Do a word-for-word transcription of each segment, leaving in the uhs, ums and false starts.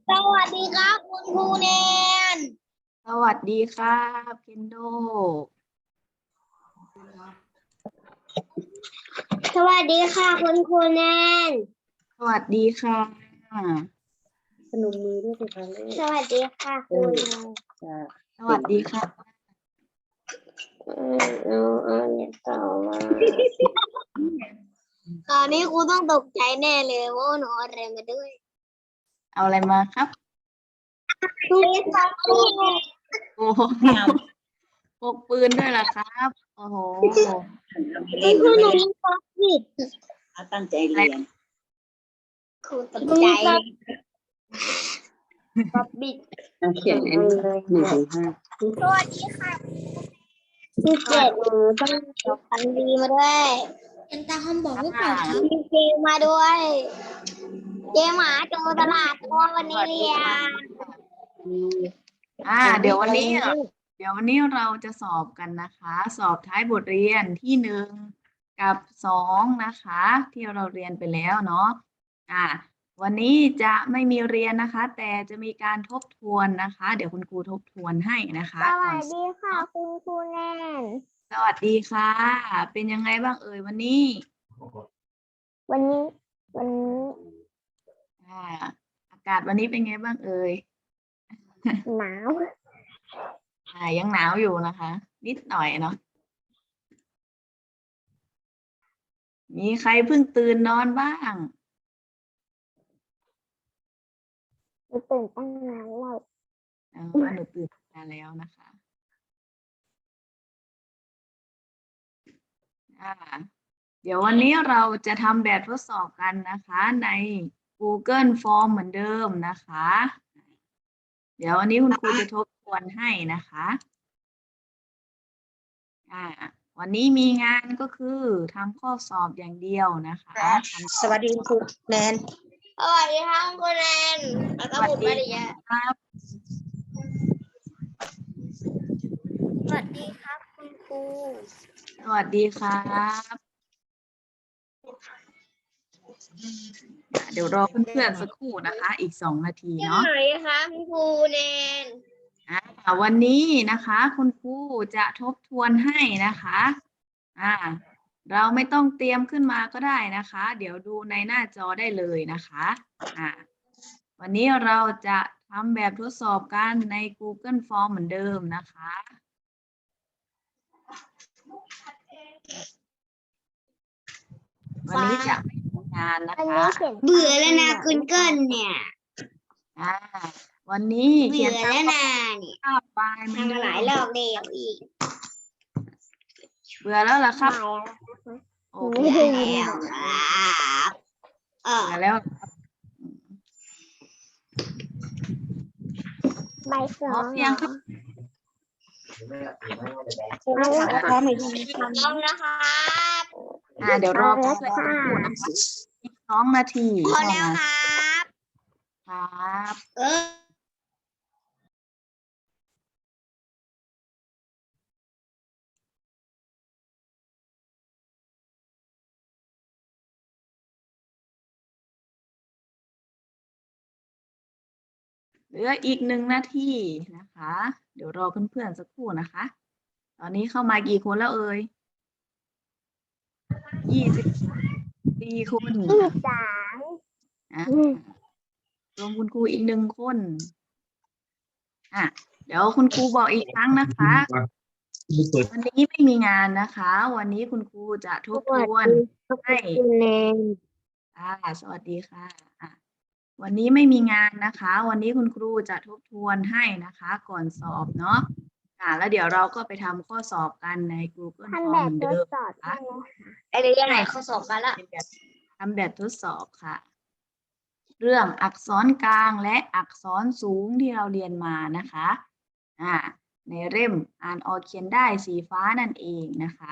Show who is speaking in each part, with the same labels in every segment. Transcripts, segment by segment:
Speaker 1: สวัสดีครับคุณครูแนน
Speaker 2: สวัสดีครับเคนโด
Speaker 1: สวัสดีค่ะคุณครูแนน
Speaker 2: สวัสดีค่ะ
Speaker 3: พนมมือด้วยสิคะลูก
Speaker 1: สวัสดีค่ะคุณแนน
Speaker 3: จ้ะ
Speaker 2: สวัสดีค่ะ
Speaker 1: อืมเอาเอาเนี่ยต่อมาตอนนี้ครูต้องตกใจแน่เลยว่าหนูเอาอะไรมาด้วย
Speaker 2: เอาอะไรมาครับ
Speaker 1: ทุกคน
Speaker 2: โอ้โหพกปืนด้วยล่ะครับ โอ้โห
Speaker 1: เล่นหนูมีความผิด
Speaker 3: เอาตั้งใจเรียน
Speaker 1: ครูตกใจป๊อบบิด
Speaker 3: เอาเขียนอันนี้หนึ่งถึงห้า
Speaker 1: สวัสดีค่ะพี่เจ็ดหนูต้องเอาคันดีมาด้วยเอ็นตาคำบอกหรือเปล่าครับมีเกมมาด้วยเกมหมาโจรตลาดตัววันนี้เรียน
Speaker 2: อ่า เดี๋ยววันนี้ เดี๋ยววันนี้เราจะสอบกันนะคะ สอบท้ายบทเรียนที่หนึ่งกับสองนะคะ ที่เราเรียนไปแล้วเนาะ อ่า วันนี้จะไม่มีเรียนนะคะ แต่จะมีการทบทวนนะคะ เดี๋ยวคุณครูทบทวนให้นะคะ
Speaker 1: ส
Speaker 2: ก่
Speaker 1: วั
Speaker 2: อน
Speaker 1: สดีค่ะคุณครูแนน
Speaker 2: สวัสดีค่ะ เป็นยังไงบ้างเอ่ยวันนี้
Speaker 1: วันนี้ วันนี้
Speaker 2: อ่า อากาศวันนี้เป็นไงบ้างเอ่ย
Speaker 1: หนาว
Speaker 2: อ่า ยังหนาวอยู่นะคะ นิดหน่อยเนาะ มีใครเพิ่งตื่นนอนบ้าง
Speaker 1: หนูตื่นตั้งนานแล้ว
Speaker 2: อ๋อหนูตื่นนานแล้วนะคะ อ่า เดี๋ยววันนี้เราจะทำแบบทดสอบกันนะคะใน Google Form เหมือนเดิมนะคะ เดี๋ยววันนี้คุณครูจะทบทวนให้นะคะ อ่า วันนี้มีงานก็คือทำข้อสอบอย่างเดียวนะคะทำ
Speaker 3: สวัสดีคุณแนน
Speaker 1: สวัสดีค่ะคุณครูแนนแล้ว
Speaker 2: ส
Speaker 1: ก็
Speaker 2: วัส
Speaker 1: คุณ
Speaker 2: ดี
Speaker 1: มาริยา
Speaker 2: ครับ
Speaker 1: สวัสดีครับคุณครู
Speaker 2: สวัสดีครับ เดี๋ยวรอเพื่อนๆสักครู่นะคะ อีกสองนาที
Speaker 1: ที่
Speaker 2: เนาะ
Speaker 1: ไหนคะคุณครูแนน
Speaker 2: อ่าวันนี้นะคะคุณครูจะทบทวนให้นะคะอ่าเราไม่ต้องเตรียมขึ้นมาก็ได้นะคะ เดี๋ยวดูในหน้าจอได้เลยนะคะอ่าวันนี้เราจะทำแบบทดสอบกันใน Google Form เหมือนเดิมนะคะวันนี้จะไม่ทำงานนะคะ
Speaker 1: เบื่อแล้วนะคุณเกิลเนี่ย
Speaker 2: อ่าวันนี้เขี
Speaker 1: เบื่
Speaker 2: ย
Speaker 1: อน
Speaker 2: ตาม
Speaker 1: แล้วนะเนี่ย
Speaker 2: ภาพปลายเหมือน
Speaker 1: ทำ
Speaker 2: เดิ
Speaker 1: มาหลาย
Speaker 2: ม
Speaker 1: รอบแล้วอีก
Speaker 2: เบื่อแล้วเหรอครับโอเค
Speaker 1: เบื่อแล้วครับเออ
Speaker 2: เบื่อแล้ว
Speaker 1: ใบส
Speaker 2: พ
Speaker 1: อ
Speaker 2: ร้อง มยังครับ
Speaker 3: คุณแม่ถามว่าพร้อมหรือยัง
Speaker 1: พร้อมนะครับ
Speaker 2: อ่าเดี๋ยวรอเพื่อนๆสักครู่นะคะอีกสองนาที
Speaker 1: พอ
Speaker 2: เท่า
Speaker 1: แล้ว
Speaker 2: นั้น
Speaker 1: ครับ
Speaker 2: ครับ
Speaker 1: เออ
Speaker 2: เหลืออีกหนึ่งนาทีนะคะ เดี๋ยวรอเพื่อนๆสักครู่นะคะ ตอนนี้เข้ามากี่คนแล้วเอ่ยยี่สิบสี่คน
Speaker 1: ยี่สิบสาม
Speaker 2: อ่ะรวมคุณครูอีกหนึ่งคนอ่ะเดี๋ยวคุณครูบอกอีกครั้งนะคะ วันนี้ไม่มีงานนะคะ วันนี้คุณครูจะทบทวนให้
Speaker 1: คุณแนน
Speaker 2: อ่าสวัสดีค่ะอ่ะ วันนี้ไม่มีงานนะคะ วันนี้คุณครูจะทบทวนให้นะคะ ก่อนสอบเนาะอ่าแล้วเดี๋ยวเราก็ไปทำข้อสอบกันใน Google
Speaker 1: ทำ
Speaker 2: Form
Speaker 1: แบบ
Speaker 2: เหมือน
Speaker 1: ท
Speaker 2: เดิ
Speaker 1: ด
Speaker 2: ม
Speaker 1: สอบ
Speaker 2: นะคะ
Speaker 1: ใช่ไหมคะไอ้เรื่องไหนข้อสอบมาละ
Speaker 2: เป็นแบบทำแบบทดสอบค่ะ เรื่องอักษรกลางและอักษรสูงที่เราเรียนมานะคะอ่าในเล่มอ่านออกเขียนได้สีฟ้านั่นเองนะคะ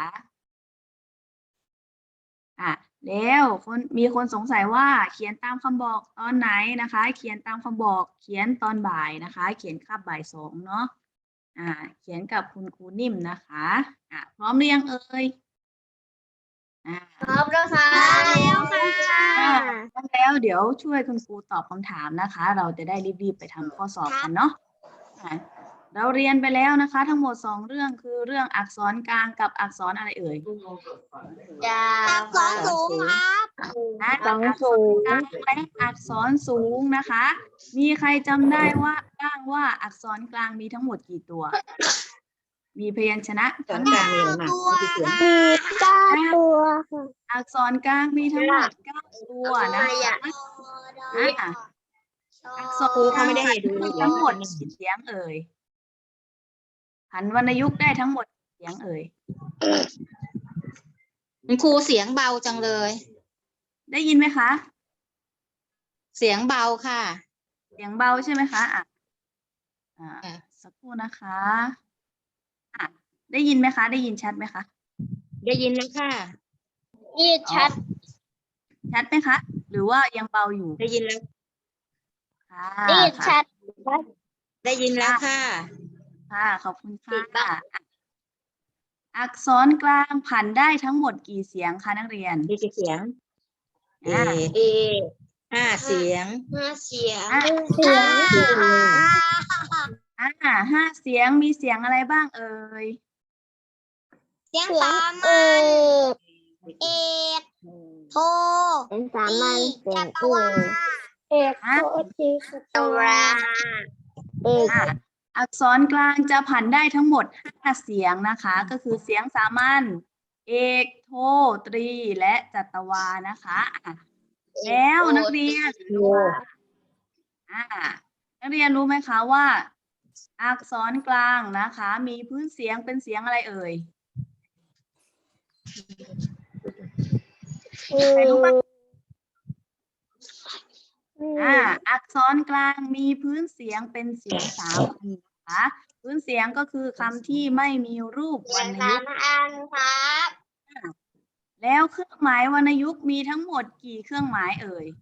Speaker 2: อ่ะแล้วคนมีคนสงสัยว่าเขียนตามคำบอกตอนไหนนะคะ เขียนตามคำบอกเขียนตอนบ่ายนะคะ เขียนคาบบ่ายสองเนาะอ่าเขียนกับคุณครูนิ่มนะคะอ่ะพร้อมหรือยังเอ่ยอ่า
Speaker 1: พร้อมแล้วค่ะแล้วค่ะ
Speaker 2: อ่าพร้อมแล้วเดี๋ยวช่วยคุณครูตอบคำถามนะคะ เราจะได้รีบๆไปทำข้อสอบกันเนาะอ่ะเราเรียนไปแล้วนะคะ ทั้งหมดสองเรื่องคือเรื่องอักษรกลางกับอักษรอะไรเอ่ย
Speaker 1: ยาวสองสูงครับ
Speaker 2: นะอักษรกลางและอักษรสูงนะคะ มีใครจำได้ว่าบ้างว่าอักษรกลางมีทั้งหมดกี่ตัว มีพยัญชนะ
Speaker 3: ตอ
Speaker 2: ทั้
Speaker 3: น
Speaker 2: งห
Speaker 3: ก
Speaker 2: ม
Speaker 3: ลาง
Speaker 2: ด
Speaker 3: เลยนะที่เขียน
Speaker 1: เก้าตัว
Speaker 2: อักษรกลางมีทั้งหมดเก้าตัวนะคะอ่ะอักษร
Speaker 3: ครูเขาไม่ได้ให้ดู
Speaker 2: มีทั้งหมดกี่เสียงเอ่ยหันวรรณยุกต์ได้ทั้งหมดกี่เสียงเอ่ย
Speaker 4: คุณครูเสียงเบาจังเลย
Speaker 2: ได้ยินไหมคะ
Speaker 4: เสียงเบาค่ะ
Speaker 2: เสียงเบาใช่ไหมคะอ่ะอ่า
Speaker 4: ค่ะ
Speaker 2: สักครู่นะคะอ่ะได้ยินไหมคะ ได้ยินชัดไหมคะ
Speaker 4: ได้ยินแล้วค่ะ
Speaker 1: นี่ชัด
Speaker 2: ชัดไหมคะ หรือว่ายังเบาอยู่
Speaker 4: ได้ยินแล้ว
Speaker 2: ค่ะ
Speaker 1: นี่
Speaker 2: ค่ะ
Speaker 1: ชัด
Speaker 4: ได้ยินแล้วค่ะ
Speaker 2: ค่ะ ขอบคุณ
Speaker 1: ติดปะ
Speaker 2: ค่ะอ่ะอักษรกลางผันได้ทั้งหมดกี่เสียงคะนักเรียน
Speaker 4: มีกี่เสียง เอ
Speaker 2: อ่ะ
Speaker 1: เอ
Speaker 4: ห้าเสียง
Speaker 1: ห้าเสียง
Speaker 2: อ่ะ
Speaker 1: เสียง
Speaker 2: อ่าห้าเสียงมีเสียงอะไรบ้างเอ่ย
Speaker 1: เสียงสามัญเอกโทเสียงสามัญเสียงเอกเอกโทจีสตวาเอก
Speaker 2: อ่ะอักษรกลางจะผันได้ทั้งหมดห้าเสียงนะคะ ก็คือเสียงสามัญเอกโทตรีและจัตวานะคะอ่ะแล้วนักเรียนอ่านักเรียนรู้ไหมคะว่า อักษรกลางนะคะ มีพื้นเสียงเป็นเสียงอะไรเอ่ยใครรู้บ้างอ่าอักษรกลางมีพื้นเสียงเป็นเสียงสามัญนะคะพื้นเสียงก็คือคำที่ไม่มีรูปวรรณ
Speaker 1: สา
Speaker 2: ยุกต์
Speaker 1: มัญครับ
Speaker 2: แล้วเครื่องหมายวรรณยุกต์มีทั้งหมดกี่เครื่องหมายเอ่ย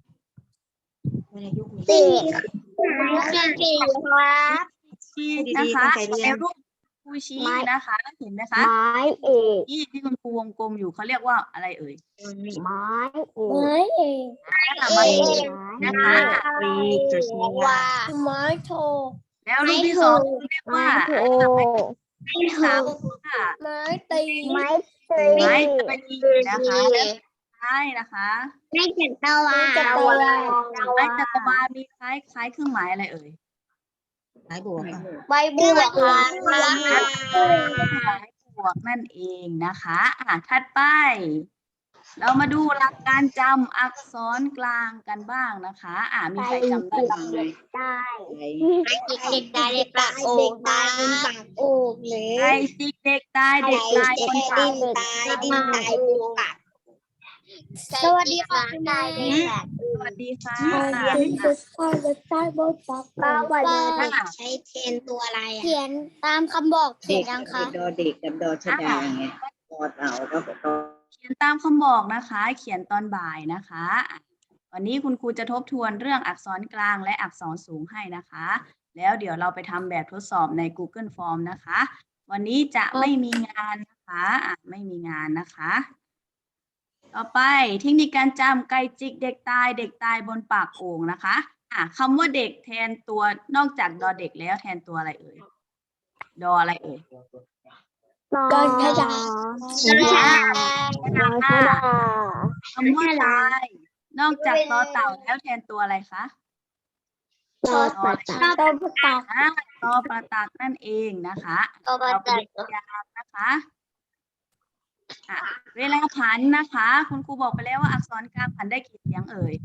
Speaker 1: สี่สี่ครับ
Speaker 2: ชี้
Speaker 4: ดีๆ
Speaker 2: นะคะ
Speaker 4: ตั้งใจเรียน
Speaker 2: ในรูปครูชี้นะคะเห็นไหมคะ
Speaker 1: ไม้เอก
Speaker 2: ที่ที่คุณครูวงกลมอยู่เขาเรียกว่าอะไรเอ่ย
Speaker 1: ไม้เอกไม้เอก
Speaker 2: อ่ามาดูนะคะ
Speaker 4: รีจุดนี้
Speaker 1: ว่าไม้โท
Speaker 2: แล้วรูปที่สองเรียกว่า
Speaker 1: ไม้
Speaker 2: รูปที่สามค่ะ
Speaker 1: ไม้ตีไม้ตี
Speaker 2: ไม้ตรีนะคะใช่นะคะ
Speaker 1: ไม้จัตวาจัตวา
Speaker 2: ไม้จักรวาลมีคล้ายคล้ายเครื่องหมายอะไรเอ่ย
Speaker 4: หลายบวกค่ะ
Speaker 1: ใบบวกครับ
Speaker 2: เครื่องหมายบวกนั่นเองนะคะอ่ะถัดไป เรามาดูหลักการจำอักษรกลางกันบ้างนะคะอ่ะมีใครจำได้บ้างไหม
Speaker 1: ได้เด็กตายเด็กปากโอ่งตายเป็นปากโอ่งเลย
Speaker 2: ไก่จิกเด็กตายเด็กตายคนตาย
Speaker 1: ตายดินตายเป็นปากสวัสดีค่ะคุณนายเด็ก
Speaker 2: สวัสดีค่ะ
Speaker 1: พ่อจะใช้บทสักป้าวันนี้ใช้เทนตัวอะไรเขียนตามคำบอกเขียนยังคะ
Speaker 3: ดอเด็กกับดอชดาไงดอเต่าก็ดอ
Speaker 2: เขียนตามคำบอกนะคะ เขียนตอนบ่ายนะคะอ่ะวันนี้คุณครูจะทบทวนเรื่องอักษรกลางและอักษรสูงให้นะคะ แล้วเดี๋ยวเราไปทำแบบทดสอบใน Google Form นะคะ วันนี้จะไม่มีงานนะคะอ่ะไม่มีงานนะคะ ต่อไปเทคนิคการจำไก่จิกเด็กตายเด็กตายบนปากโอ่งนะคะอ่ะคำว่าเด็กแทนตัวนอกจากดอเด็กแล้วแทนตัวอะไรเอ่ยดออะไรเอ่ย
Speaker 1: ดอนชดา
Speaker 2: ดอชดา คำว่าตายนอกจากต่อเต่าแล้วแทนตัวอะไรคะ
Speaker 1: ตอประตักตอประตัก
Speaker 2: อ่าต่อประตักนั่นเองนะคะ
Speaker 1: ตอประ
Speaker 2: เรา
Speaker 1: ตั
Speaker 2: เป็น
Speaker 1: ก
Speaker 2: ยามนะคะอ่ะเวลาผันนะคะ คุณครูบอกไปแล้วว่าอักษรกลางผันได้กี่เสียงเอ่ย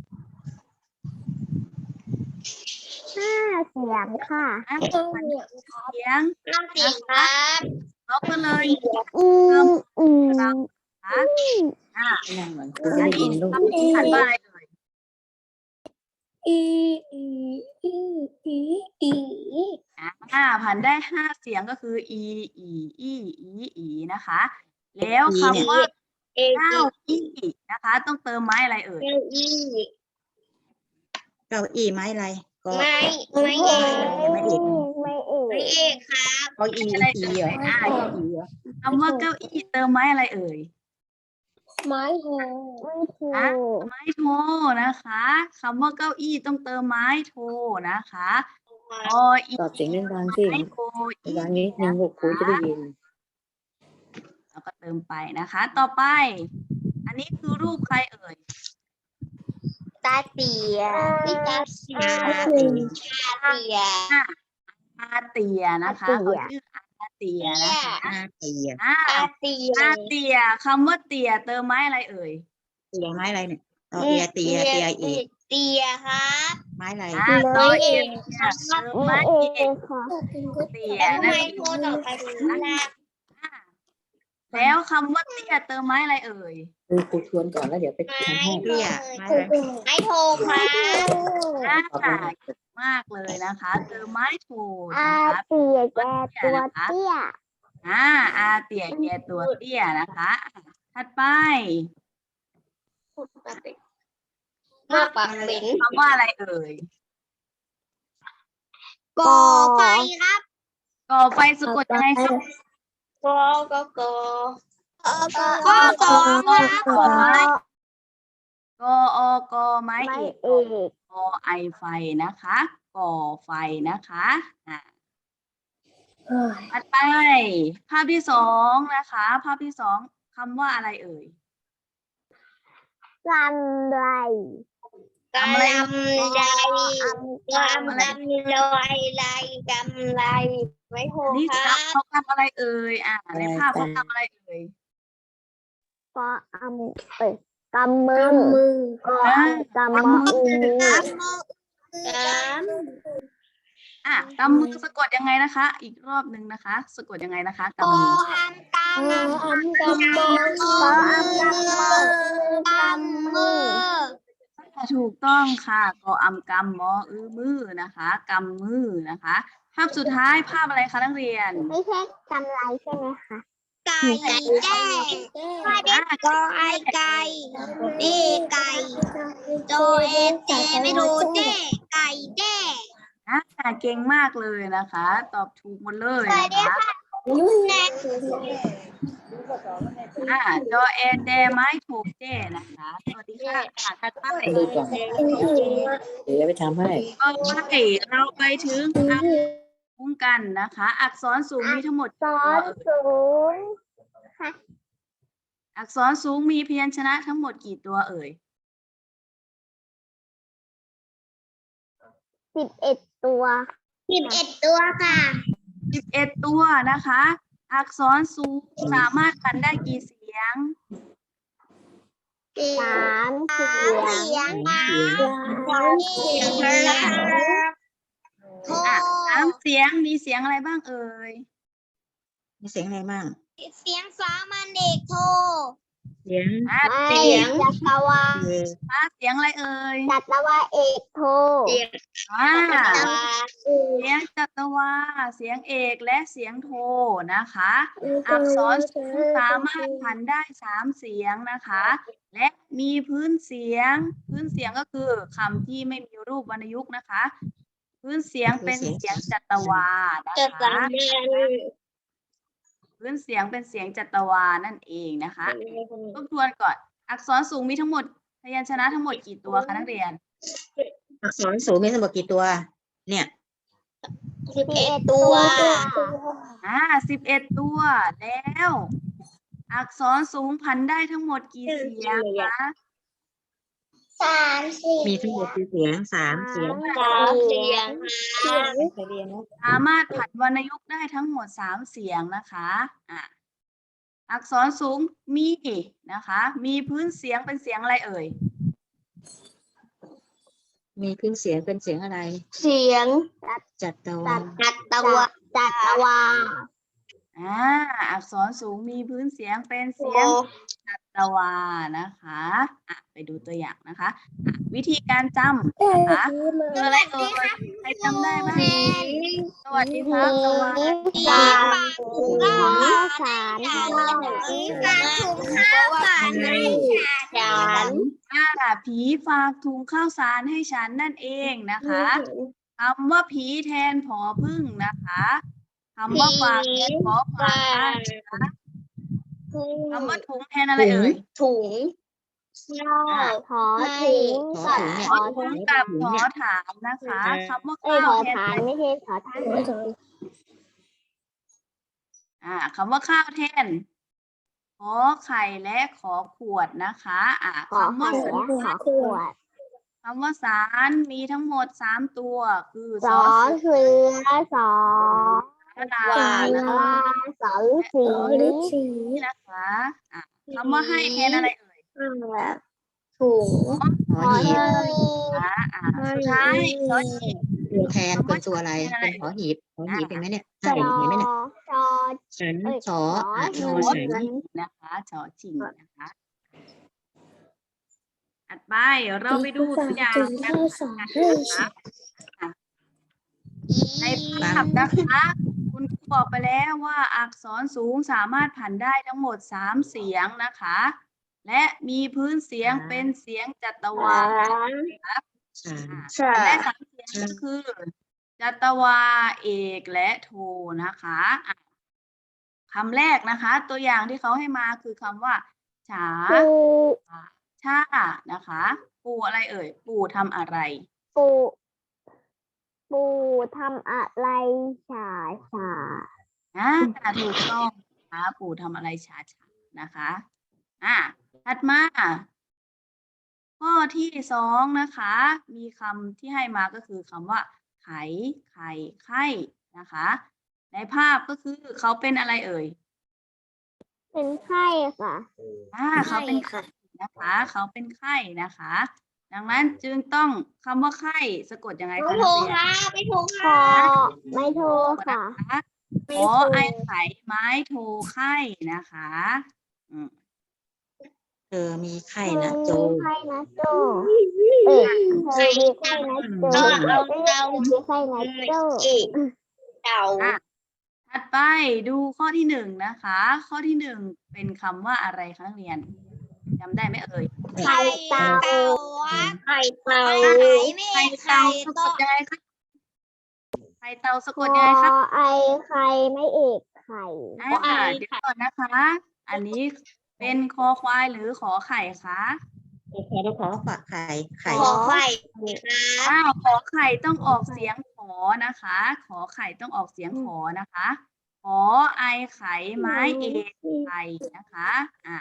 Speaker 1: ห้าเสียงค่ะ
Speaker 2: อ่ะผันได้กี่เสียง
Speaker 1: ห้าเสียงครับ
Speaker 2: เราก็เลย
Speaker 1: อืมอืม
Speaker 2: นะคะอ่ะ
Speaker 3: นั่งเหมือน
Speaker 2: อันนี้คำที่ผันว่าอะไรเอ่ย
Speaker 1: อีอีอีอีอี
Speaker 2: อ่าผันได้ห้าเสียงก็คืออีอีอีอีอีนะคะ แล้วคำว่า
Speaker 1: เอ
Speaker 2: เก้าอี้นะคะ ต้องเติมไม้อะไรเอ่ย
Speaker 1: เก้าอี้
Speaker 3: เก้าอี้ไม้อะไรก็
Speaker 1: ไม่ไม่เอก
Speaker 3: ไม่เอก
Speaker 1: ไม่เอกไม่เอกครับ
Speaker 3: เก้าอี้อีเหรอ
Speaker 2: อ่าคำว่าเก้าอี้เติมไม้อะไรเอ่ย
Speaker 1: ไม้โทไม่โท
Speaker 2: อ่ะไม้โทนะคะคำว่าเก้าอี้ต้องเติมไม้โทนะคะออี
Speaker 3: ตอบเสียงดังๆสิ
Speaker 2: ไม้โทอี
Speaker 3: ดังนิดนึงลูกครูจะได้ยิน
Speaker 2: แล้วก็เติมไปนะคะ ต่อไป อันนี้คือรูปใครเอ่ย
Speaker 1: ตาเตียพี่ตาเตีย
Speaker 4: อา
Speaker 1: ตา
Speaker 4: ตี
Speaker 1: เตีย
Speaker 2: อาเตียนะคะ
Speaker 1: อาเตีย
Speaker 2: เขาชื่ออาเตียนะคะ
Speaker 4: อาเตีย
Speaker 2: อ่า
Speaker 1: ตาเตีย
Speaker 2: อาเตียคำว่าเตียเติมไม้อะไรเอ่ย
Speaker 4: เตียไม้อะไรเนี่ยต่อเตียเตียเตียอีก
Speaker 1: เตียครับ
Speaker 4: ไม้อะไร
Speaker 2: อ่า
Speaker 1: ไม้
Speaker 2: ต่อ
Speaker 1: เอ
Speaker 2: เอก
Speaker 1: ก
Speaker 2: เติมไม้เอกเตีย
Speaker 1: แล้วทำ
Speaker 2: นั่
Speaker 1: ไม
Speaker 2: นเอง
Speaker 1: โทรต่อไปนะ
Speaker 2: อ่าแล้วคำว่าเตียเติมไม้อะไรเอ่ย
Speaker 3: ครูครูทวนก่อนแล้วเดี๋ยวไปทำให้
Speaker 4: เตี้ยไม้อะไร
Speaker 1: ไม้โทรครับ
Speaker 2: อ่า
Speaker 3: ตอบได้
Speaker 2: เก่งมากเลยนะคะเติมไม้โท
Speaker 1: อา
Speaker 2: นะคะ
Speaker 1: เตียแกตัวเตี้ย
Speaker 2: อ่าอาเตียแกตัวเตี้ยนะคะอ่ะถัดไป
Speaker 1: มาปากเป็น
Speaker 2: คำว่าอะไรเอ่ย
Speaker 1: ก่อไฟครับ
Speaker 2: ก่อไฟสะกดยังไงครับ
Speaker 1: ก่อก็ก่อก่อก่อก่อครับ
Speaker 2: ก่อไม้กออกอไม้
Speaker 1: ไม้
Speaker 2: เอก
Speaker 1: เอก
Speaker 2: กอไอไฟนะคะก่อไฟนะคะอ่ะถัดไป ภาพที่สองนะคะ ภาพที่สองคำว่าอะไรเอ่ย
Speaker 1: ลำไร
Speaker 2: ทำอะไร
Speaker 1: กำไรกำไรลอยไรกำไรไม่โห
Speaker 2: นี่
Speaker 1: ค
Speaker 2: ค
Speaker 1: รั
Speaker 2: รับบ เขาทำอะไรเอ่ยอ่ะในภาพเขาทำอะไรเอ่ย
Speaker 1: ก็อำเอ้ยกำมือก็กำมือกำ
Speaker 2: อ่ะกำมือสะกดยังไงนะคะ อีกรอบหนึ่งนะคะ สะกดยังไงนะคะ
Speaker 1: ก
Speaker 2: กำมือ
Speaker 1: อำกำอำกำมือก็อำกำมือกำมือ
Speaker 2: ถูกต้องค่ะกออำกำมออือมือนะคะกำมือนะคะ ภาพสุดท้ายภาพอะไรคะนักเรียน
Speaker 1: ไม่ใช่กำไรใช่ไหมคะไก่แจ้
Speaker 2: อ่ะ
Speaker 1: ก็ไอไก่เอไก่โจเอเจไม่รู้เจไก่เจ
Speaker 2: อ่ะเก่งมากเลยนะคะ ตอบถูกหมดเลย
Speaker 1: สวัส
Speaker 2: นะ
Speaker 1: ดี
Speaker 2: คะ
Speaker 1: ค่ะแนท
Speaker 2: อ่ะจอเอเจไม้ถูกเจนะคะสวัสดีค่ะอ่ะถัดไป
Speaker 3: ดูก่อนเดี๋ยวจะไปทำให้
Speaker 2: ต่อไปเราไปถึงอักษรสูงกันนะคะ อักษรสูงมีทั้งหมด
Speaker 1: ส
Speaker 2: กี่
Speaker 1: อ
Speaker 2: ตัวน เอ่ย
Speaker 1: ศูนย์
Speaker 2: อักษรสูงมีพยัญชนะทั้งหมดกี่ตัวเอ่ย
Speaker 1: สิบเอ็ดตัวสิบเอ็ดตัวค่ะ
Speaker 2: สิบเอ็ดตัวนะคะ อักษรสูงสามารถกันได้กี่เสียง
Speaker 1: สามเสียง
Speaker 4: สามเสียง
Speaker 1: สามเสียงโท
Speaker 2: อ่ะสามเสียงมีเสียงอะไรบ้างเอ่ย
Speaker 4: มีเสียงอะไรบ้าง
Speaker 1: เสียงสามัญเด็กโท
Speaker 4: เสียง
Speaker 2: อ่ะ
Speaker 1: เสียงจัตวา
Speaker 4: เออ
Speaker 2: อ่ะเสียงอะไรเอ่ย
Speaker 1: จัตวาเอกโท
Speaker 2: อ่า
Speaker 1: จัตวา
Speaker 2: เสียงจัตวา เสียงเอกและเสียงโทนะคะ อักษรสูงสามารถผันได้สามเสียงนะคะ และมีพื้นเสียง พื้นเสียงก็คือคำที่ไม่มีรูปวรรณยุกต์นะคะ พื้นเสียงเป็นเสียงจัตวานะ
Speaker 1: จัต
Speaker 2: คะ
Speaker 1: วา
Speaker 2: พื้นเสียงเป็นเสียงจัตวานั่นเองนะคะทบทวนก่อน อักษรสูงมีทั้งหมดพยัญชนะทั้งหมดกี่ตัวคะนักเรียน
Speaker 4: อักษรสูงมีทั้งหมดกี่ตัว เนี่ย
Speaker 1: สิบเอ็ดตัว
Speaker 2: อ่าสิบเอ็ดตัว แล้ว อักษรสูงพันได้ทั้งหมดกี่เสียงคะ
Speaker 1: สามสี่
Speaker 4: มีทั้งหมดกี่เสียงสามเสียง
Speaker 1: สามเสียง
Speaker 3: ไปเรียนนะ
Speaker 2: สามารถผันวรรณยุกต์ได้ทั้งหมดสามเสียงนะคะอ่ะอักษรสูงมีนะคะ มีพื้นเสียงเป็นเสียงอะไรเอ่ย
Speaker 4: มีพื้นเสียงเป็นเสียงอะไร
Speaker 1: เสียง
Speaker 4: จัตวา
Speaker 1: จัตวาจัตวา
Speaker 2: อ่า อักษรสูงมีพื้นเสียงเป็นเสียงจัตวานะคะอ่ะไปดูตัวอย่างนะคะอ่ะวิธีการจำนะคะคืออะไรเอ่ยใครจำได้บ้างสวัสดีครับสวัสดี
Speaker 1: สีฟ้าถุงข้าวสารสีฟ้าถุงข้าวสารให้ฉัน
Speaker 2: อ่าผีฝากถุงข้าวสารให้ฉันนั่นเองนะคะคำว่าผีแทนผอพึ่งนะคะคำว่าฝากแทนผอฝากนะคะคำว่าถุงแทนอะไรเอ่ย
Speaker 1: ถุงยอขอถุง
Speaker 4: ขอถุงเนี่ย
Speaker 2: ขอถุงกับขอถามนะคะคำว่า
Speaker 1: เอ้ย
Speaker 2: ข้าว
Speaker 1: ขอ
Speaker 2: แทน
Speaker 1: ทานไม่ใช่ขอทาน
Speaker 2: อ่าคำว่าข้าวแทนขอไข่และขอขวดนะคะอ่า
Speaker 1: ขอ
Speaker 2: คำว่า
Speaker 1: ไข่
Speaker 2: สา
Speaker 1: และ
Speaker 2: ร
Speaker 1: ขอขวด
Speaker 2: คำว่าสารมีทั้งหมดสามตัวคือ
Speaker 1: ส
Speaker 2: ส
Speaker 1: อ
Speaker 2: อ
Speaker 1: เสือสอ
Speaker 2: สระ
Speaker 1: วา
Speaker 2: และ
Speaker 1: ลาสอฤษี
Speaker 2: นะคะอ่ะคำว่าให้แทนอะไรเอ่ย
Speaker 1: ถุง
Speaker 4: หอหีบ
Speaker 2: อ่าอ่าสุดท้ายชอหีบ
Speaker 4: ตัวแทนเป็นตัวอะไรเป็นหอหีบหอหีบเป็นไหมเนี่ย
Speaker 1: จ
Speaker 4: ใช่เห็นไหมเนี่ย
Speaker 1: จอ
Speaker 4: ฉัน
Speaker 1: เอ้ย
Speaker 4: สออะ
Speaker 1: ช
Speaker 4: น
Speaker 1: อ
Speaker 4: อน
Speaker 2: ชอ
Speaker 4: ฉัน
Speaker 2: ชิงนะคะชอชิงนะคะถัดไปเราไปดูตัวอย่างการอ่านกันนะคะอ่ะในภาพนะคะ คุณครูบอกไปแล้วว่าอักษรสูงสามารถผันได้ทั้งหมดสามเสียงนะคะ และมีพื้นเสียงเป็นเสียงจัตวา
Speaker 4: ฉัน
Speaker 2: ผันได้สามเสียงก็คือ จัตวาเอกและโทนะคะอ่ะคำแรกนะคะ ตัวอย่างที่เขาให้มาคือคำว่าฉา
Speaker 1: ปู
Speaker 2: ชานะคะ ปู่อะไรเอ่ย ปู่ทำอะไร
Speaker 1: ปูปูทำอะไรฉาฉา
Speaker 2: อ่าถูกต้องนะคะปู่ทำอะไรช้าๆนะคะอ่าถัดมาข้อที่สองนะคะ มีคำที่ให้มาก็คือคำว่า ไข ไข่ไข่นะคะ ในภาพก็คือเขาเป็นอะไรเอ่ย
Speaker 1: เป็นไข้ค่ะ
Speaker 2: อ่าเขาเป็นไข้นะคะ เขาเป็นไข้นะคะ ดังนั้นจึงต้องคำว่าไข้สะกดยังไงคะนักเรียน
Speaker 1: ไม่ถูกคอไม่ถูกค่ะ
Speaker 2: นะคะขอไอไข่ไม้โทไข่นะคะอืม
Speaker 4: เธอมีไข้นะโจ
Speaker 1: ไข้นะโจเอ้ยเธอมีไข้นะโจ
Speaker 4: เอา
Speaker 1: เอ้ยมีไข้นะโจเต่า
Speaker 2: อ่ะถัดไปดูข้อที่หนึ่งนะคะ ข้อที่หนึ่งเป็นคำว่าอะไรคะนักเรียนจำได้ไหมเอ่ย
Speaker 1: ไข่เต่าไข่เต่า
Speaker 2: ไข่เต่าสะกดยังไงคะไข่เต่าสะ
Speaker 1: ค
Speaker 2: ก
Speaker 1: อ
Speaker 2: ดยังไงคะ
Speaker 1: ไอไข่ไม่เอกไข่
Speaker 2: อ่าเดี๋ยวก่อนนะคะ อันนี้เป็นคอควายหรือขอไข่คะ
Speaker 4: ขอขอฝากไข่ไข่
Speaker 1: ขอไข่
Speaker 2: อ้าวขอไข่ต้องออกเสียงขอนะคะ ขอไข่ต้องออกเสียงขอนะคะ ขอไอไข่ไม้เอกไข่นะคะอ่า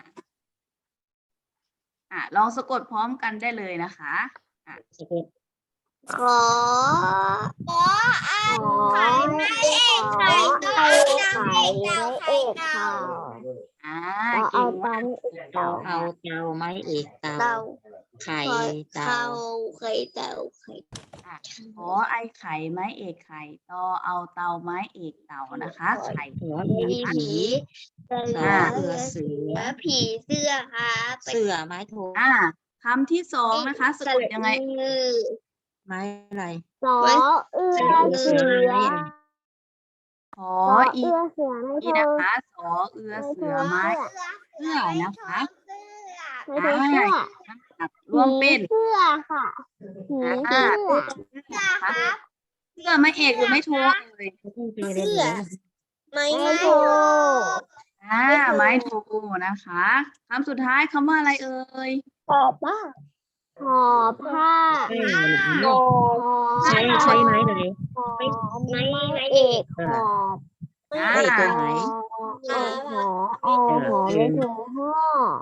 Speaker 2: อ่าลองสะกดพร้อมกันได้เลยนะคะอ่า
Speaker 4: สะกด
Speaker 1: ขอขอไอไข่ไม่เอกไข่ไอไข่ไม่เอกเต่า
Speaker 2: อ่า
Speaker 1: เรา
Speaker 2: เก่
Speaker 1: เอา
Speaker 2: ง
Speaker 1: ตาม
Speaker 4: เต่าเอาเต่าไม้เอกเต่า
Speaker 1: เต่า
Speaker 4: ไข่เต่า
Speaker 1: ไข่เต่าไข่
Speaker 2: อ่ะขอไอไข่ไม้เอกไข่ต่อเอาเตาไม้เอกเต่านะคะไข่
Speaker 4: หัวมีผี
Speaker 1: เสื
Speaker 4: สอ
Speaker 1: อ
Speaker 4: เสือเสือ
Speaker 1: ผีเสื้อครับ
Speaker 4: เสือไม้โท
Speaker 2: อ่าคำที่สองนะคะสะกดยังไง
Speaker 4: ไม้อะไร
Speaker 1: สอเอื้อเสือ
Speaker 2: ขอ
Speaker 1: สอ
Speaker 2: อี
Speaker 1: เอื้อเสือไม่
Speaker 2: นี่
Speaker 1: เธ
Speaker 2: นะ
Speaker 1: อ
Speaker 2: คะสอเอือเสือไม้เสื้อนะคะ
Speaker 1: ไม่เธอเสื้อ
Speaker 2: รวมเป็น
Speaker 1: เสื้อค่ะผี
Speaker 2: อ่า
Speaker 1: เสื้อ
Speaker 2: นะคะเสื้อไม้เอกหรือไม่โทเลย
Speaker 1: เสื้อ ไม่โท
Speaker 2: อ่าไม้โทนะคะคำสุดท้ายคำว่าอะไรเอ่ย
Speaker 1: หอผ้าหอผ้า
Speaker 4: ใช่
Speaker 1: หอ
Speaker 4: ใช้ใช้ไม้ไหน
Speaker 1: หอไม้เอกหอ
Speaker 2: อ่า
Speaker 4: ไอ้ตัวไหน
Speaker 1: หอหอหอหอไม่โทหอ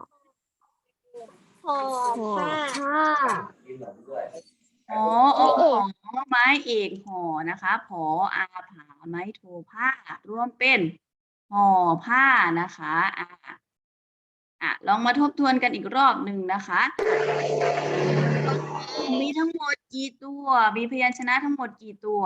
Speaker 1: หอผ้า
Speaker 2: หออหอไม้เอกหอนะคะผออาผาไม้โทผ้ารวมเป็นห่อผ้านะคะอ่าอ่ะลองมาทบทวนกันอีกรอบหนึ่งนะคะ มีทั้งหมดกี่ตัว มีพยัญชนะทั้งหมดกี่ตัว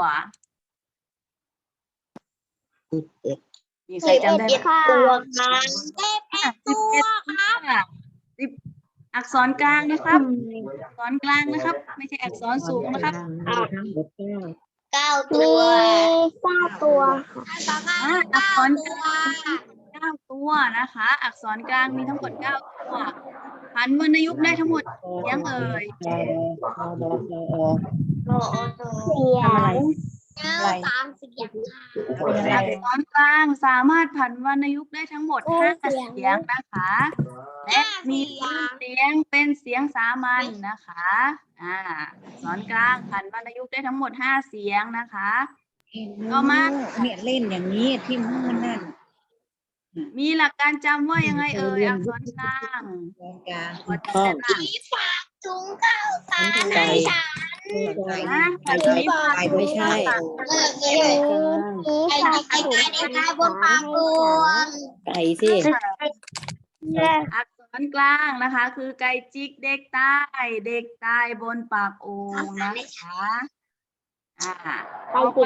Speaker 2: มีใครจำได้ไหม
Speaker 1: ตัวค่ะ
Speaker 2: อ่ะสิบเอ็ดตัวสิบอักษรกลางนะครับ อักษรกลางนะครับ ไม่ใช่อักษรสูงนะครับ
Speaker 4: ทั้งหมดเก้า
Speaker 1: เก้าตัวเก้าตัวค่ะ
Speaker 2: อ่ะอักษรกลางเก้าตัวนะคะ อักษรกลางมีทั้งหมดเก้าตัวพันวรรณยุกต์ได้ทั้งหมดกี่เสียงเอ่ย
Speaker 4: บอบอบอ
Speaker 1: เสียงแล้วสามเสียงค่ะ
Speaker 2: อักษรกลางสามารถผันวรรณยุกต์ได้ทั้งหมดห้าเสียงนะคะและมีเสียงเป็นเสียงสามัญนะคะอ่าอักษรกลางผันวรรณยุกต์ได้ทั้งหมดห้าเสียงนะคะต่อมา
Speaker 3: เนี่ยเล่นอย่างนี้ที่มันนั่น
Speaker 2: มีหลักการจำว่ายังไงเอ่ยอักษรกลาง
Speaker 3: ตรงกลาง
Speaker 2: พอจำได้บ้าง
Speaker 1: ผีฝากถุงข้าวสารให้ฉัน
Speaker 2: นะไก่
Speaker 3: ไม่
Speaker 2: ฝาก
Speaker 3: ไม่ใช่
Speaker 1: เออเออผีฝากถุงข้าวสารบนปากบวง
Speaker 3: ไก่สิ
Speaker 2: อักษรกลางนะคะ คือไก่จิกเด็กใต้เด็กใต้บนปากโอ่งนะคะอ่าต่อไป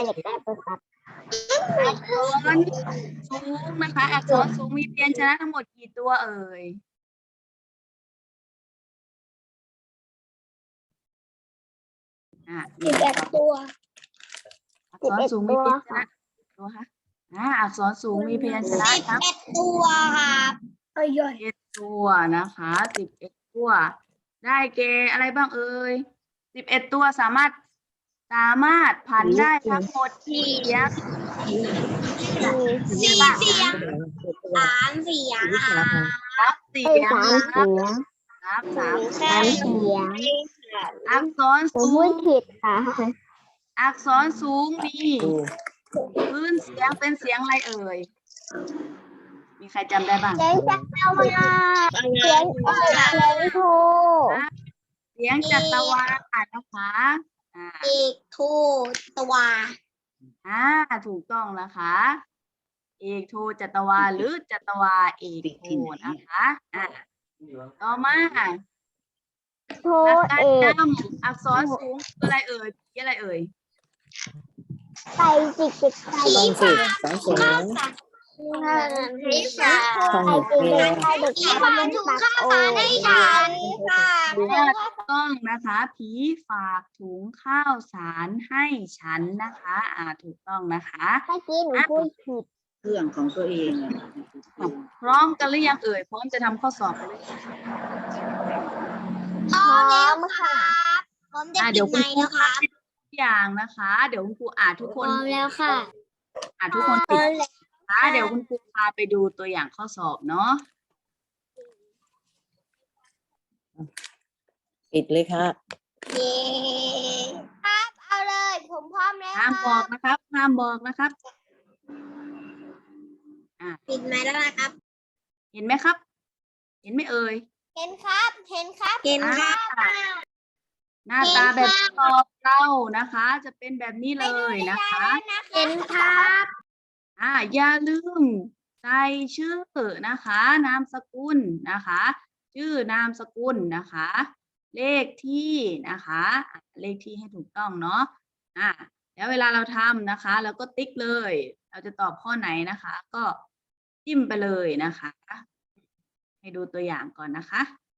Speaker 2: อักษรสูงนะคะ อักษรสูงมีพยัญชนะทั้งหมดกี่ตัวเอ่ยอ่า
Speaker 1: สิบเอ็ดตัว
Speaker 2: อักษรสูงมีพยัญชนะตัวคะอ่าอักษรสูงมีพยัญชนะ
Speaker 1: สิบ
Speaker 2: ทั้ง
Speaker 1: เอ็ดตัวครับเอ้ย
Speaker 2: เอ็ดตัวนะคะสิบเอ็ดตัว ได้เกอะไรบ้างเอ่ยสิบเอ็ดตัวสามารถสามารถผันได้ทั้งหมดกี่เสียง
Speaker 1: สี่เสียงสามเสียงค่ะ
Speaker 2: ครับเสียงนะครับครับสามเสียง
Speaker 1: เสียง
Speaker 2: อักษร
Speaker 1: ผม
Speaker 2: สู
Speaker 1: พู
Speaker 2: ง
Speaker 1: ดผิดค่ะ
Speaker 2: อักษรสูงมีพื้นเสียงเป็นเสียงอะไรเอ่ยมีใครจำได้บ้าง
Speaker 1: เสียงจักรวาลเสียงเอกเสียงโท
Speaker 2: เสียงจัตวานะคะอ่า
Speaker 1: เอกโทตัว
Speaker 2: อ่าถูกต้องนะคะ เอกโทจัตวาหรือจัตวาเอกโทนะคะอ่าต่อมา
Speaker 1: โท
Speaker 2: หลักการ
Speaker 1: เอก
Speaker 2: จำอักษรสูงคืออะไรเอ่ยคืออะไรเอ่ย
Speaker 1: ไก่จิกจิกไก่
Speaker 3: ต้องสิสองสูง
Speaker 1: ให้ฉัน
Speaker 3: ต้อง
Speaker 1: ไก่
Speaker 3: เรี
Speaker 1: จิ
Speaker 3: ย
Speaker 1: ก
Speaker 3: น
Speaker 1: ไก่เด็กที่บ้านถุงข้าวสารให้ฉันค่ะ
Speaker 2: ถูกต้องนะคะ ผีฝากถุงข้าวสารให้ฉันนะคะ อ่าถูกต้องนะคะ
Speaker 1: เมื่อกี้หนูพูดผิด
Speaker 3: เครื่องของตัวเองอะ
Speaker 2: พร้อมกันหรือยังเอ่ยพร้อมจะทำข้อสอบกันหรือยัง
Speaker 1: พร้อมแล้วครับพร้อมจะ
Speaker 2: อ่า
Speaker 1: ปิ
Speaker 2: เดี๋ยว
Speaker 1: ด
Speaker 2: คุ
Speaker 1: ไม
Speaker 2: ณ
Speaker 1: ค์
Speaker 2: ครู
Speaker 1: แล้วครับ
Speaker 2: ทุกอย่างนะคะ เดี๋ยวคุณครูอ่านทุก
Speaker 1: พ
Speaker 2: ค
Speaker 1: ร้
Speaker 2: น
Speaker 1: อมแล้วค่ะ
Speaker 2: อ่านทุกคนปิดนะคะเดี๋ยวคุณครูพาไปดูตัวอย่างข้อสอบเนาะ
Speaker 3: ปิดเลยค่ะ
Speaker 1: เย้ครับเอาเลยผมพร้อมแล้ว
Speaker 2: ห้ามบอกนะครับห้ามบอกนะครับ
Speaker 1: ปิดไมค์แล้วนะครับ
Speaker 2: เห็นไหมครับ เห็นไหมเอ่ย
Speaker 1: เห็นครับ เห็นครับ เห็นครับ
Speaker 2: อ่าหน้าตาแบบสอบเรานะคะ จะเป็นแบบนี้เลยนะคะ
Speaker 1: เห็นครับ
Speaker 2: อ่าอย่าลืมใส่ชื่อนะคะ นามสกุลนะคะ ชื่อนามสกุลนะคะ เลขที่นะคะอ่ะเลขที่ให้ถูกต้องเนาะอ่าแล้วเวลาเราทำนะคะเราก็ติ๊กเลย เราจะตอบข้อไหนนะคะ ก็จิ้มไปเลยนะคะ ให้ดูตัวอย่างก่อนนะคะ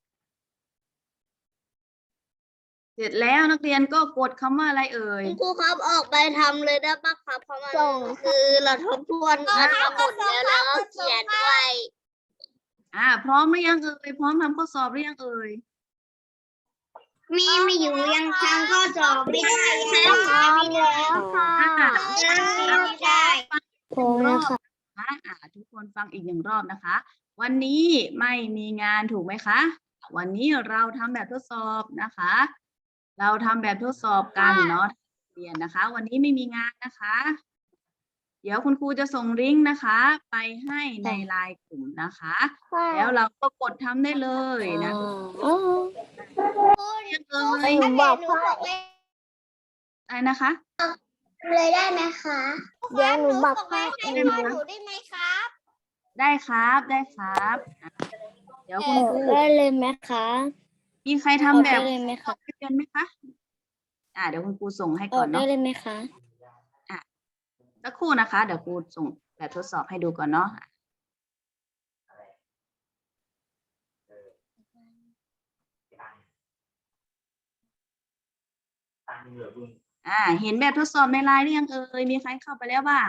Speaker 2: เสร็จแล้วนักเรียนก็กดคำว่าอะไรเอ่ย
Speaker 1: คุณครูครับออกไปทำเลยได้ปะครับเพราะมันคือเราทบทวนกันมาหมดแล้วแล้วก็เขียนด้วย
Speaker 2: อ่า พร้อมหรือยังเอ่ยพร้อมทำข้อสอบหรือยังเอ่ย
Speaker 1: มีไม่อยู่ยังทำข้อสอบไม่ได้แล้วพร้อมแล้วค่ะ
Speaker 2: อ่า
Speaker 1: ไม่ได้
Speaker 2: หนึ่งรอบนะคะอ่าทุกคนฟังอีกหนึ่งรอบนะคะ วันนี้ไม่มีงานถูกไหมคะ วันนี้เราทำแบบทดสอบนะคะ เราทำแบบทดสอบกันเนาะเรียนนะคะ วันนี้ไม่มีงานนะคะ เดี๋ยวคุณครูจะส่งลิงก์นะคะ ไปให้ในไลน์กลุ่มนะคะ แล้วเราก็กดทำได้เลยนะเรียนเลย
Speaker 1: หนูบอกพ่อ
Speaker 2: อะไรนะคะ
Speaker 1: เลยได้ไหมคะเดี๋ยวหนูบอกพ่อเองนะหนูได้ไหมครับ
Speaker 2: ได้ครับได้ครับอ่ะเดี๋ยวคุณครู
Speaker 1: ได้เลยไหมคะ
Speaker 2: มีใครทำแบบ
Speaker 1: ได้เลยไหมคะ
Speaker 2: ไม่เป็นไหมคะ อ่าเดี๋ยวคุณครูส่งให้
Speaker 1: อ
Speaker 2: ก่
Speaker 1: อ
Speaker 2: อก น
Speaker 1: ได้
Speaker 2: เนาะ
Speaker 1: เลยไหมคะ
Speaker 2: สักครู่นะคะ เดี๋ยวครูส่งแบบทดสอบให้ดูก่อนเนาะอ่า เห็นแบบทดสอบในไลน์หรือยังเอ่ยมีใครเข้าไปแล้วบ้าง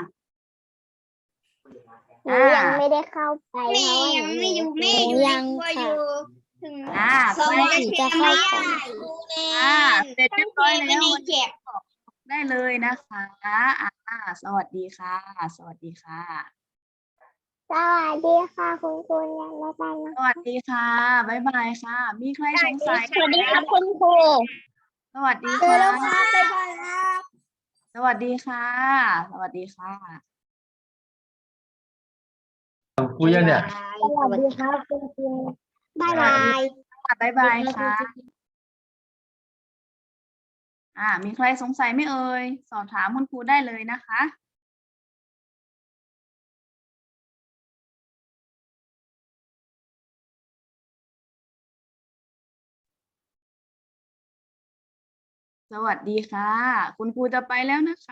Speaker 1: หนูยังไม่ได้เข้าไปเพราะว่ายังไม่อยู่ไม่ยังค่ะ
Speaker 2: อ่า
Speaker 1: สอง
Speaker 2: ใคร
Speaker 1: จะเข้าไป
Speaker 2: อ่าเสร็จเรียบร้อยแล้ว
Speaker 1: เก็บ
Speaker 2: ได้เลยนะคะอ่าสวัสดีค่ะ สวัสดีค่ะ
Speaker 1: สวัสดีค่ะคุณครูยังไม่ไปนะ
Speaker 2: สวัสดีค่ะ บ๊ายบายค่ะ มีใครสงสัย
Speaker 1: สวัสดีครับคุณครู
Speaker 2: สวัสดี
Speaker 1: เจอ
Speaker 2: ค่ะ
Speaker 1: แล้วครับบ๊ายบายครับ
Speaker 2: สวัสดีค่ะ สวัสดีค่ะ
Speaker 5: คุยยังเนี่ย
Speaker 1: สวัสดีครับคุณครูบ๊ายบาย
Speaker 2: บ๊ายบายค่ะ อ่า มีใครสงสัยไหมเอ่ย สอบถามคุณครูได้เลยนะคะ สวัสดีค่ะ คุณครูจะไปแล้วนะคะ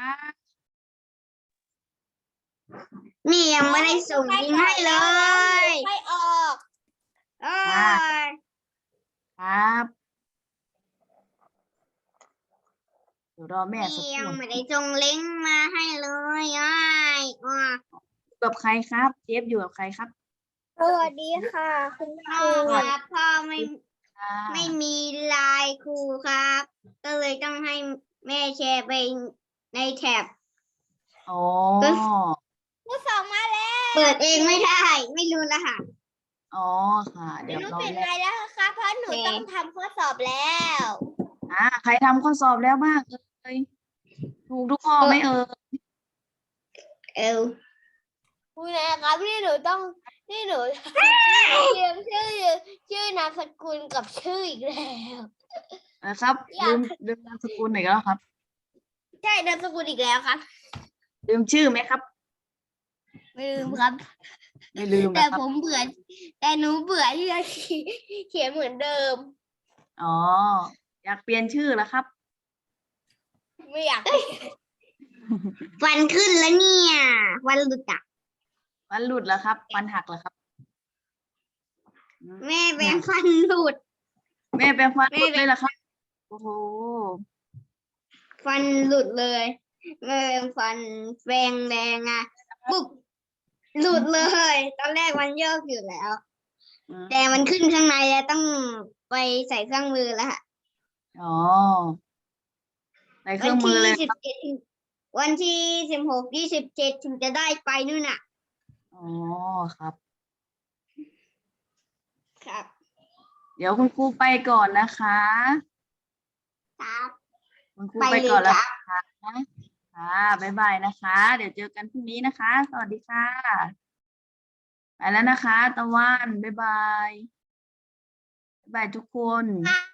Speaker 1: นี่ยังไม่ได้ส่งยิงให้เลยไม่ออกเออ
Speaker 2: ครับ เดี๋ยวรอแม่สัก
Speaker 1: นี่
Speaker 2: ค
Speaker 1: ยัง
Speaker 2: รู่
Speaker 1: ไม่ได้ส่งลิงก์มาให้เลยอ้ายอ่ะ
Speaker 2: อยู่กับใครครับ เจฟอยู่กับใครครับ
Speaker 1: สวัสดีค่ะคุณครูครับพ่อไม่
Speaker 2: ค่ะ
Speaker 1: ไม่มีไลน์ครูครับ ก็เลยต้องให้แม่แชร์ไปในแท็บ
Speaker 2: อ๋อ
Speaker 1: ครูส่งมาแล้ว เปิดเองไม่ได้ ไม่รู้รหัส
Speaker 2: อ๋อ ค่ะ เดี๋ยว
Speaker 1: หนู
Speaker 2: รอ
Speaker 1: ปิด
Speaker 2: แม่
Speaker 1: ไมค์แล้วค่ะเพราะหนูต้องทำข้อสอบแล้ว
Speaker 2: อ่า ใครทำข้อสอบแล้วบ้างเอ่ยถูกทุกข้อไหมเอ่ย
Speaker 1: เอวคุณนะครับนี่หนูต้องนี่หนูเตรียมชื่อชื่อนามสกุลกับชื่ออีกแล้ว
Speaker 2: นะครับ
Speaker 1: อยาก
Speaker 2: ลืมลืมนามสกุลหน่อยแล้วครับ
Speaker 1: ใช่นามสกุลอีกแล้วครับ
Speaker 2: ลืมชื่อไหมครับ
Speaker 1: ไม่ลืมครับ
Speaker 2: ไม่ลืม
Speaker 1: แต่
Speaker 2: นะครับ
Speaker 1: ผมเบื่อแต่หนูเบื่อที่จะเขียนเหมือนเดิม
Speaker 2: อ๋อ อยากเปลี่ยนชื่อแล้วครับ
Speaker 1: ไม่อยากฟันขึ้นแล้วเนี่ยฟันหลุดอ่ะ
Speaker 2: ฟันหลุดแล้วครับ ฟันหักแล้วครับ
Speaker 1: แม่แปรงฟันหลุด
Speaker 2: แม่เป็นฟันหลุด
Speaker 1: แม่เป็น
Speaker 2: เลยเหรอครับ โอ้โห
Speaker 1: ฟันหลุดเลยแม่แปรงฟันแปรงแรงอ่ะปุ๊บหลุดเลย ตอนแรกมันโยกอยู่แล้ว
Speaker 2: อืม
Speaker 1: แต่มันขึ้นข้างในแล้วต้องไปใส่เครื่องมือแล้วค่ะ
Speaker 2: อ๋อใส่เค
Speaker 1: วั
Speaker 2: รื่องมื
Speaker 1: ที่
Speaker 2: อเลย
Speaker 1: สิบเจ็ดวันที่สิบหกยี่สิบเจ็ดถึงจะได้ไปนู่นน่ะ
Speaker 2: อ๋อ ครับ
Speaker 1: ครับ
Speaker 2: เดี๋ยวคุณครูไปก่อนนะคะ
Speaker 1: ครับ
Speaker 2: คุณครู
Speaker 1: ไป
Speaker 2: ไป
Speaker 1: เลย
Speaker 2: ก่อนแล้ว
Speaker 1: ครับ
Speaker 2: นะคะค่ะ บ๊ายบายนะคะ เดี๋ยวเจอกันพรุ่งนี้นะคะ สวัสดีค่ะ ไปแล้วนะคะ ตะวัน บ๊ายบาย บ๊ายบายทุกคน
Speaker 1: ครับ